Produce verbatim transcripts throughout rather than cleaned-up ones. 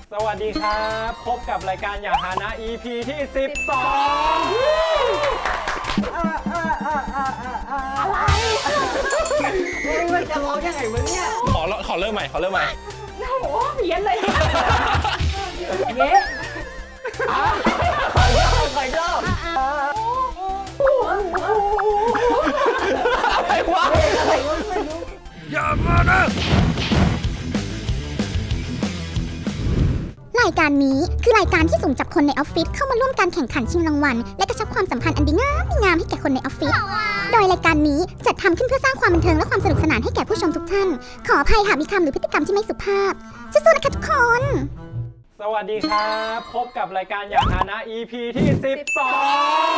สวัสดีครับพบกับรายการอย่าหานะ อี พี ที่สิบสองอะไรมึงจะร้องยังไงมึงเนี่ยขอขอเริ่มใหม่ขอเริ่มใหม่โอ้โหเพี้ยนเลยเย้ขอยอบขอยอบอะไรวะอะไรวะไม่รู้อย่ามานะรายการนี้คือรายการที่สุ่มจับคนในออฟฟิศเข้ามาร่วมการแข่งขันชิงรางวัลและกระชับความสัมพันธ์อันดีงามงามให้แก่คนในออฟฟิศโดยรายการนี้จัดทำขึ้นเพื่อสร้างความบันเทิงและความสนุกสนานให้แก่ผู้ชมทุกท่านขออภัยหากมีคำหรือพฤติกรรมที่ไม่สุภาพสู้ๆนะคะทุกคนสวัสดีครับพบกับรายการอย่าหานะ อี พี ที่สิบสอง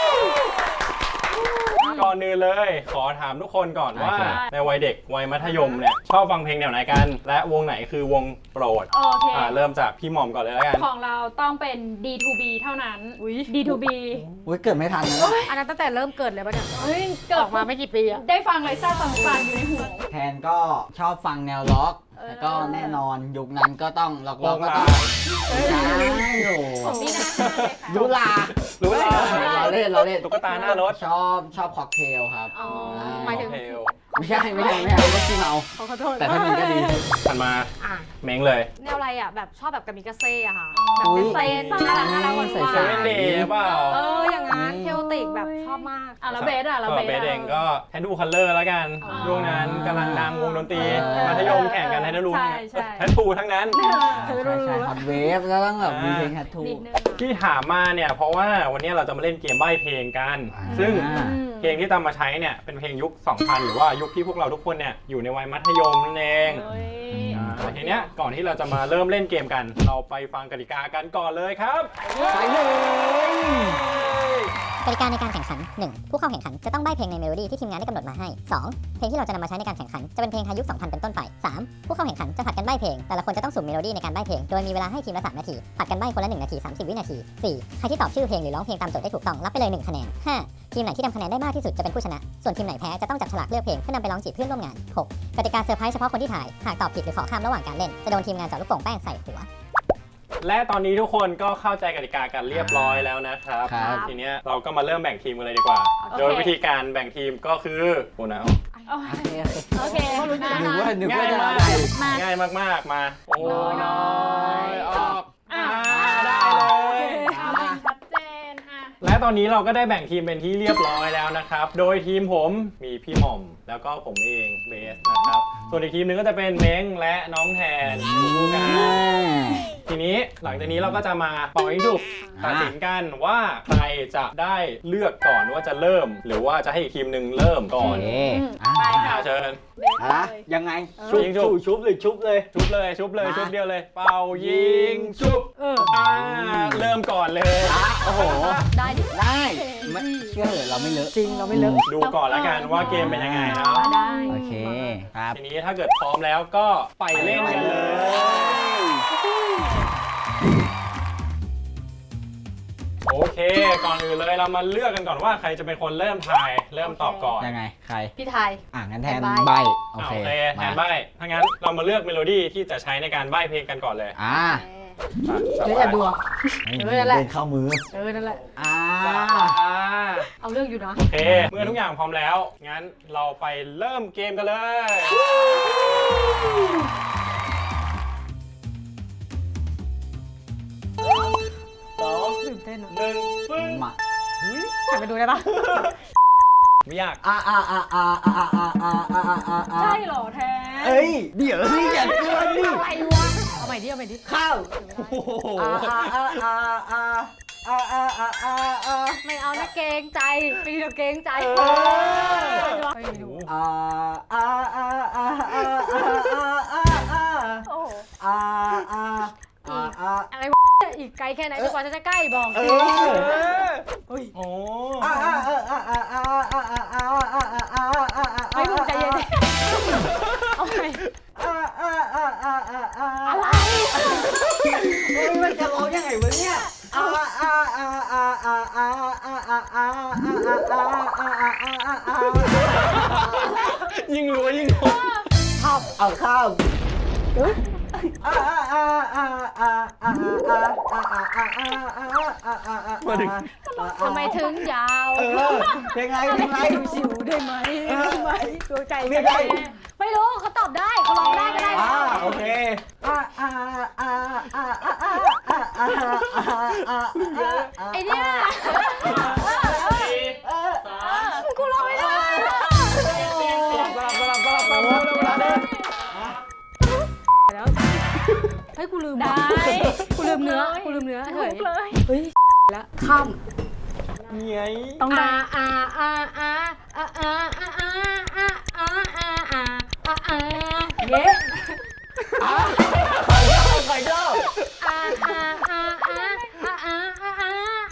ก่อนอื่นเลยขอถามทุกคนก่อนว่าในวัยเด็กวัยมัธยมเนี่ยชอบฟังเพลงแนวไหนกันและวงไหนคือวงโปรดโอเคอ่าเริ่มจากพี่หม่อมก่อนเลยแล้วกันของเราต้องเป็น ดี ทู บี เท่านั้น ดี ทู บีอุ้ยเกิดไม่ทันนะอันนั้นตั้งแต่เริ่มเกิดเลยป่ะเนี่ยเฮ้ยเกิดออกมาไม่กี่ปีอะได้ฟังเลยซ่าฟังๆอยู่ในหัวแทนก็ชอบฟังแนวล็อกแล้วก็แน่นอนยุคนั้นก็ต้องล็อกล็อกก็ต้องใช่โหนี่นะยุลารู้แล้วเราเล่นเราเล่นตุ๊กตาหน้ารถชอบชอบค็อกเทลครับหมายถึงไม่ใช่ไม่ใช่ไม่ใช่ไม่ใช่ที่เมาขอโทษแต่ถ้ามันก็ดีถัดมาเม้งเลยแนวอะไรอ่ะแบบชอบแบบกามิกาเซ่อะค่ะแบบอุ๊ยเต้นๆน่ารักน่ารักหวานใส่เซเว่นเดย์เปล่าเอออย่างงั้นเทลติกแบบชอบมากอ่ะแล้วเบสอ่ะแล้วเบเบสสเองก็แทนดูคัลเลอร์แล้วกันช่วงนั้นกำลังดังวงดนตรีมัธยมแข่งกันแทนดูแทนทูทั้งนั้นใช่ใช่ฮอตเวฟแล้วต้องแบบมีเพลงแททูที่ถามมาเนี่ยเพราะว่าวันนี้เราจะมาเล่นเกมใบ้เพลงกันซึ่งเพลงที่ตามมาใช้เนี่ยเป็นเพลงยุค สองพัน หรือว่ายุคที่พวกเราทุกคนเนี่ยอยู่ในวัยมัธยมนั่นเองทีเนี้ยก่อนที่เราจะมาเริ่มเล่นเกมกันเราไปฟังกติกากันก่อนเลยครับไปเลยกติกาในการแข่งขัน หนึ่ง ผู้เข้าแข่งขันจะต้องใบ้เพลงในเมโลดี้ที่ทีมงานได้กำหนดมาให้ สอง เพลงที่เราจะนำมาใช้ในการแข่งขันจะเป็นเพลงไทยยุค สองพัน เป็นต้นไป สาม ผู้เข้าแข่งขันจะผลัดกันใบ้เพลงแต่ละคนจะต้องสุ่มเมโลดี้ในการใบ้เพลงโดยมีเวลาให้ทีมละสามนาทีผลัดกันใบ้คนละหนึ่งนาทีสามสิบวินาที สี่ ใครที่ตอบชื่อเพลงหรือร้องเพลงตามโจทย์ได้ถูกต้องรับไปเลยหนึ่งคะแนน ห้า ทีมไหนที่ทำคะแนนได้มากที่สุดจะเป็นผู้ชนะส่วนทีมไหนแพ้จะต้องจับฉลากเลือกเพลงเพื่อนำไปร้องจีบเพื่อนร่วมงาน หก กติกาเซอร์ไพรส์เฉพาะคนที่ถ่ายหากตอบผิดหรือขอข้ามระหว่างการเล่นจะโดนทีมงานเจาะลูกโป่งแป้งใส่หัวและตอนนี้ทุกคนก็เข้าใจกติกากันเรียบร้อยแล้วนะครับทีนี้เราก็มาเริ่มแบ่งทีมกันเลยดีกว่าโดยวิธีการแบ่งทีมก็คือโอ้นะโอเคหนึ่งว่าหนึ่งง่าว่ายจะมากได้ง่ายมากๆมาโอ้น้อยออกได้เลยชัดเจนอ่ะและตอนนี้เราก็ได้แบ่งทีมเป็นที่เรียบร้อยแล้วนะครับโดยทีมผมมีพี่หม่อมแล้วก็ผมเองเบสนะครับส่วนอีกทีมนึงก็จะเป็นเม้งและน้องแทนคู่กันทีนี้หลังจากนี้เราก็จะมาเป่ายิงฉุบตัดสินกันว่าใครจะได้เลือกก่อนว่าจะเริ่มหรือว่าจะให้อีกทีมหนึ่งเริ่มก่อนอ่าเชิญอะยังไงชุบชุบชุบเลยชุบเลยชุบเลยชุบเลยชุบเดียวเลยเป่ายิงชุบอ่าเริ่มก่อนเลยโอ้โหได้ดิได้ไม่เชื่อเหรอเราไม่เลอะจริงเราไม่เลอะดูก่อนแล้วกันว่าเกมเป็นยังไงเนาะโอเคครับทีนี้ถ้าเกิดพร้อมแล้วก็ไปเล่นกันเลยโอเคก่อนอื่นเลยเรามาเลือกกันก่อนว่าใครจะเป็นคนเริ่มทายเริ่มตอบก่อนยังไงใครพี่ไทยอ่ะงั้นแทนใบโอเคแทนใบถ้างั้นเรามาเลือกเมโลดี้ที่จะใช้ในการใบเพลงกันก่อนเลยอ่าเดี๋ยวอย่าดูเออนั่นแหละเดินเข้ามือเออนั่นแหละอ่าเอาเรื่องอยู่นะโอเคเมื่อทุกอย่างพร้อมแล้วงั้นเราไปเริ่มเกมกันเลยสองตื่นเต้นอ่ะหนึ่งปึ้งมาหันไปดูได้ปะไม่ยากอ่าอ่าอ่าอ่าอ่าอ่าอ่าอ่าอ่าใช่หรอแทนเอ้ยเดี๋ยวสิอย่าเกินดิอะไรวะเอาใหม่ดิเอาใหม่ดิข้าวอ่าอ่าอ่าอ่าอ่าอ่าอ่าอ่าอ่าอ่าไม่เอานะเกรงใจไม่ดีเราเกรงใจอ่าอ่าอ่าอ่าอ่าอ่าอ่าอ่าอ่าโอ้อ่าอ่าอ่าอะไรอีกไกลแค่ไหนจนกว่าจะใกล้บอกสิโอ้โหไม่ถูกใจเย็นเอาไปอะไรมันจะร้องยังไงวะเนี่ยยิ่งรัวยิ่งโหดข้าวเอาข้าวอ่าอ่าอ่าอ่ามาถึงทำไมถึงยาวเออเพลงอะไรเพลงอะไรชิวได้ไหมได้ไหมดวงใจเรียกได้ไม่รู้เขาตอบได้เขาร้องได้ก็ได้อ่าโอเคอ่าอ่าอ่าอ่าอ่าอ่าอ่าอ่าอ่าไอเนี่ยเออกูร้องไม่ได้สลับสลับสลับสลับสลับเร็วเวลาเดินแล้วเฮ้ยกูลืมได้กูลืมเนื้อกูลืมเนื้อเฮ้ยเฮ้ยแล้วข้ามนี่ไงต้องได้อ่าอ่าอ่าอ่าอ่าอ่าอ่าอ่าอ่าอ่าอ่าอ่าอ่าเย้ใครเล่าใครเล่าอ่าอ่าอ่าอ่าอ่าอ่าอ่าอ่าอ่า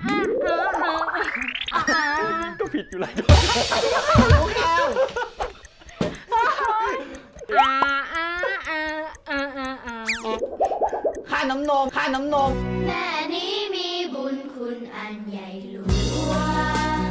อ่าก็ผิดอยู่แล้วอ่าอ่าอ่าอ่าอ่าอ่าค่าน้ำนมค่าน้ำนมแม่นี้มีบุญคุณอันใหญ่หลวง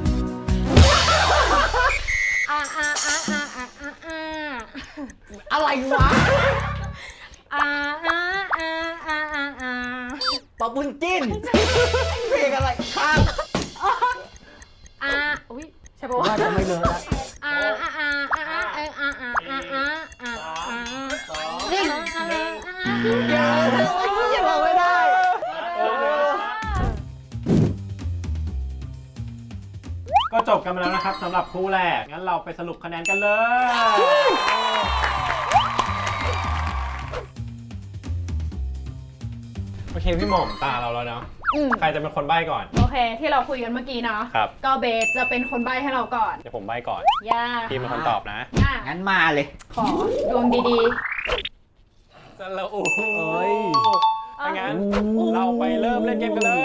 อ่าอ่าอ่าอ่าอ่าอ่าอ่าอะไรวะอ่าอ่าอ่าอ่าอ่าอ่าปะปุ้นจิ้นเพลงอะไรข้ามอ่าอุ้ยใช่ปะวะว่าจะไม่เลอะแล้วอ่าอ่าอ่าอ่าอ่าอ่าอ่าอ่าอ่าอ่าอ่านี่เดี๋ยวยังบอกไม่ได้ก็จบกันไปแล้วนะครับสำหรับคู่แรก งั้นเราไปสรุปคะแนนกันเลย โอเคพี่หม่อมตาเราแล้วเนาะอืมใครจะเป็นคนใบ้ก่อนโอเค ที่เราคุยกันเมื่อกี้เนาะครับก็เบสจะเป็นคนใบ้ให้เราก่อนเดี๋ยวผมใบ้ก่อนย่าทีมเป็นคนตอบนะอ่ะงั้นมาเลยขอดวงดีแล้วโอ้โหเอ้ยถ้างั้นเราไปเริ่มเล่นเกมกันเลย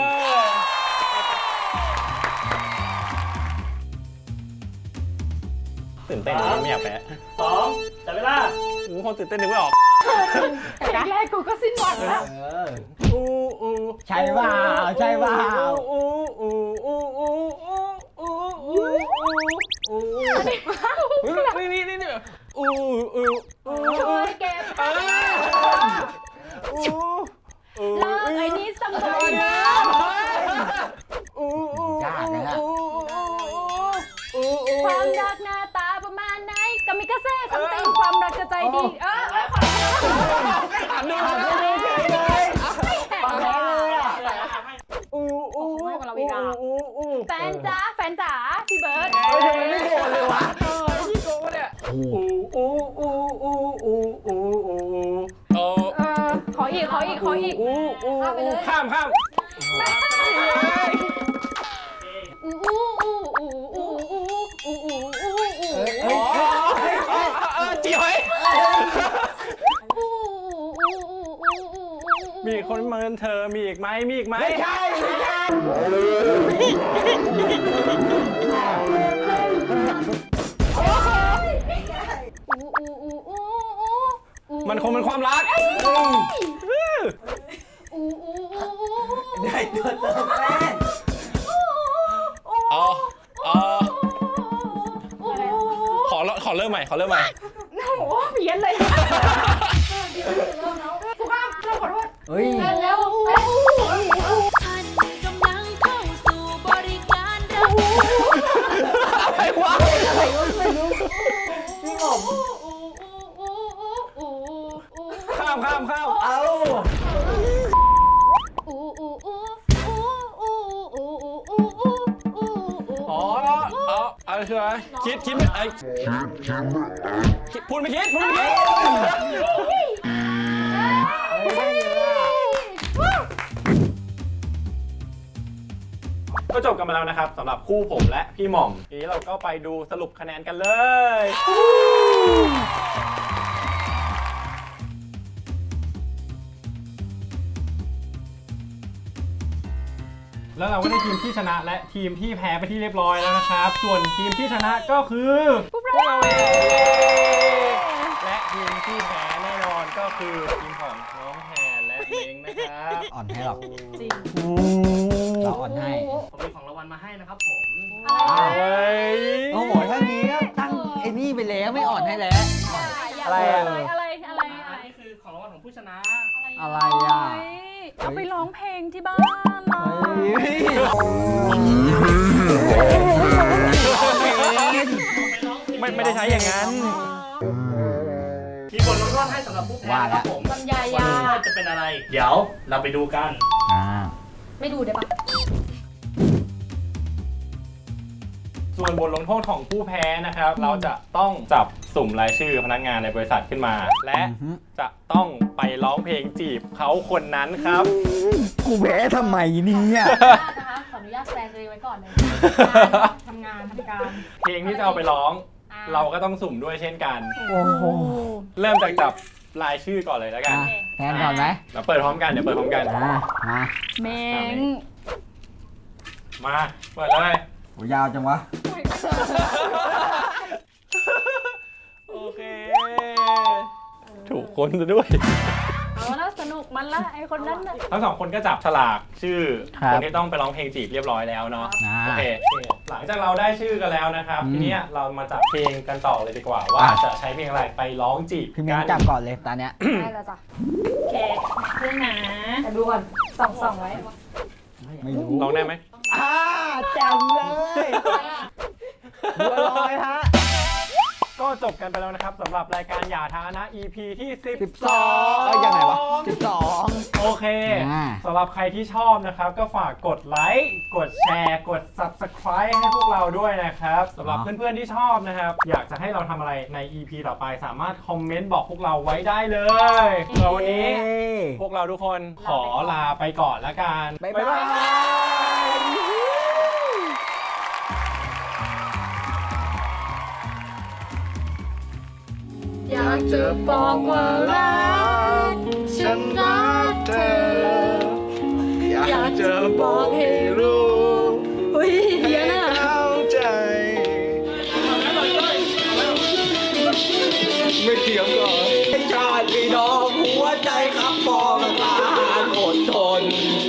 ตื่นเต้นนะไม่อยากแพ้สองจับเวลาโอ้โหคนตื่นเต้นนึกไม่ออกๆแต่แรกๆกูก็สิ้นหวังแล้วเอออู้อู้ใช่เปล่าใช่เปล่าอู้อู้อู้อู้อู้อู้อู้อู้นี่นี่นี่นี่อู้อู้อู้ช่วยเก็บอู้อู้อู้เลิกไอ้นี่สมัยนะอู้อู้ยากนะอู้อู้อู้ความรักหน้าตาประมาณไหนกามิกาเซ่ซัมติงความรักจะใจดี เออเออความรักอ่านดูไม่ได้เลยปากแดงเลยอ่ะอู้อู้อู้อู้แฟนจ๋าแฟนจ๋าพี่เบิร์ดเฮ้ยทำไมไม่โดนเลยวะยี่โกะเนี่ยอู้อู้อู้อู้อู้อู้อู้เออเออขออีกขออีกขออีกอู้อู้อู้ข้ามข้ามอู้อู้อู้อู้อู้อู้อู้อู้อู้อู้เฮ้ยเฮ้ยเออจีหอยอู้อู้อู้อู้อู้มีคนเมินเธอมีอีกไหมมีอีกไหมไม่ใช่ไม่ใช่อู้อู้อู้อู้อู้มันคงเป็นความรักอู้อู้อู้อู้ได้ตัวเติมแป้งอ๋ออ๋อขอขอเริ่มใหม่ขอเริ่มใหม่โอ้โหเพี้ยนเลยกูข้ามเราขอโทษเฮ้ยแล้วท่านกำลังเข้าสู่บริการรับอะไรวะพี่หงข้ามข้ามข้ามเอาอ๋ออ๋ออะไรคืออะไรคิดคิดไม่ไอคิดพูดไม่คิดพูดไม่คิดก็จบกันมาแล้วนะครับสำหรับคู่ผมและพี่หม่อมทีนี้เราก็ไปดูสรุปคะแนนกันเลย แล้วเราก็ได้ทีมที่ชนะและทีมที่แพ้ไปที่เรียบร้อยแล้วนะครับ ส่วนทีมที่ชนะก็คือพวกเราเองและทีมที่แพ้แน่นอนก็คือทีมของน้องแทนและเม้งนะครับอ่อนให้หรอกจริงเราอ่อนให้ผมมีของรางวัลมาให้นะครับผมเฮ้ยโอ้โหถ้านี้ก็ตั้งไอ้นี่ไปแล้วไม่อ่อนให้แล้วอะไรอะอะไรอะไรอะไรอันนี้คือของรางวัลของผู้ชนะอะไรอ่ะเอาไปลององเพลงที่บ้านล่ะไม่ไม่ได้ใช้อย่างนั้นมีบทลงโทษให้สำหรับผู้แพ้ว่านะคแล้รัวบผมลำไยบทยาลงโทษจะเป็นอะไร เดี๋ยวเราไปดูกันอ่าไม่ดูได้ปะส่วนบทลงโทษของผู้แพ้นะครับ เราจะต้องจับสุ่มรายชื่อพนักงานในบริษัทขึ้นมา และจะต้องไปร้องเพลงจีบเขาคนนั้นครับกูแพ้ทำไมเนี่ยนะคะขออนุญาตแปลงตัวเองไว้ก่อนเลยทำงานทำการเพลงที่จะเอาไปร้อง เราก็ต้องสุ่มด้วยเช่นกันโอ้โหเริ่มจากจับรายชื่อก่อนเลยแล้วกันอ่ะแทนก่อนไหมเดี๋ยวเปิดพร้อมกัน เดี๋ยวเปิดพร้อมกันอ่ามาเมงมา เปิดเลยโหยาวจังวะโอเค ถูกคนซะด้วยเอาแล้วสนุกมันละไอคนนั้นน่ะทั้งสองคนก็จับฉลากชื่อครับคนที่ต้องไปร้องเพลงจีบเรียบร้อยแล้วเนาะอ่าโอเค หลังจากเราได้ชื่อกันแล้วนะครับอืมทีเนี้ยเรามาจับเพลงกันต่อเลยดีกว่า ว่าอ่ะจะใช้เพลงอะไรไปร้องจีบพี่เมกังนจับก่อนเลยตอนเนี้ยได้แล้วจ้ะโอเคเพื่อนนะแต่ดูก่อนส่องส่องไว้ไม่รู้ร้องได้ไหมอ่าแจ๋วเลยบัวลอยฮะก็จบกันไปแล้วนะครับสำหรับรายการอย่าท้านะ อี พี ที่สิบสิบสองเอ้ยยังไงวะสิบสองโอเคอ่าสำหรับใครที่ชอบนะครับ ก็ฝากกดไลค์กดแชร์กด ซับสไครบ์ ให้พวกเราด้วยนะครับสำหรับเพื่อนๆที่ชอบนะครับ อยากจะให้เราทำอะไรใน อี พี ต่อไปสามารถคอมเมนต์บอกพวกเราไว้ได้เลยสำหรับวันนี้ พวกเราทุกคนขอลาไปก่อนละกันบ๊ายบายอยากจะบอกว่ารักฉันรักเธอ อยากจะบอกให้รู้อุ้ยเพี้ยนอ่ะไม่เถียงหรอชาติพี่น้องหัวใจครับปองตาอดทน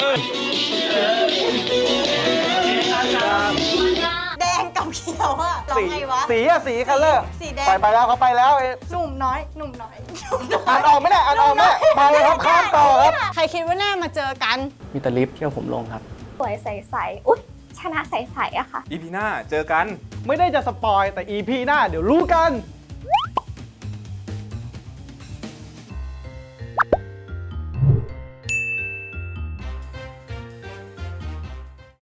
แดงกับเขียวอะร้องไงวะสีอะสีคัลเลอร์สีแดงไปไปแล้วเขาไปแล้วเอ๊ะหนุ่มน้อย หนุ่มน้อยหนุ่มน้อยอ่านออกไหมเนี่ยอ่านออกไหมมาเลยครับข้ามต่อครับใครคิดว่าหน้ามาเจอกันมีแต่ลิฟต์ที่เอาผมลงครับสวยใสๆ อุ๊ย ชนะใสๆอะค่ะอีพีหน้าเจอกัน ไม่ได้จะสปอยแต่อีพีหน้าเดี๋ยวรู้กัน